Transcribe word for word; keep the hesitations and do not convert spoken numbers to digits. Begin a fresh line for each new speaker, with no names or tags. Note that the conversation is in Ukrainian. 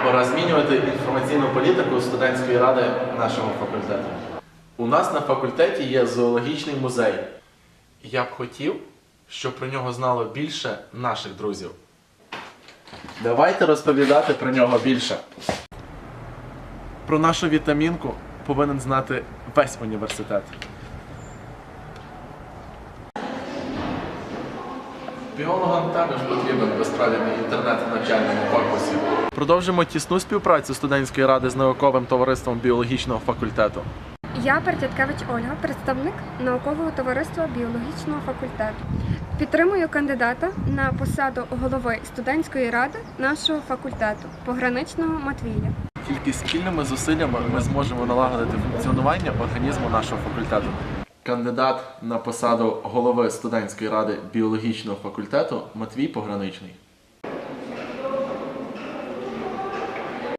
Пора змінювати інформаційну політику студентської ради нашого факультету. У нас на факультеті є зоологічний музей. Я б хотів, щоб про нього знало більше наших друзів. Давайте розповідати про нього більше. Про нашу вітамінку повинен знати весь університет. Біологам також потрібен безправний інтернет в навчальному корпусі. Продовжимо тісну співпрацю студентської ради з науковим товариством біологічного факультету.
Я Перетяткевич Ольга, представник наукового товариства біологічного факультету. Підтримую кандидата на посаду голови студентської ради нашого факультету, Пограничного Матвія.
Тільки спільними зусиллями ми зможемо налагодити функціонування організму нашого факультету. Кандидат на посаду голови студентської ради біологічного факультету Матвій Пограничний.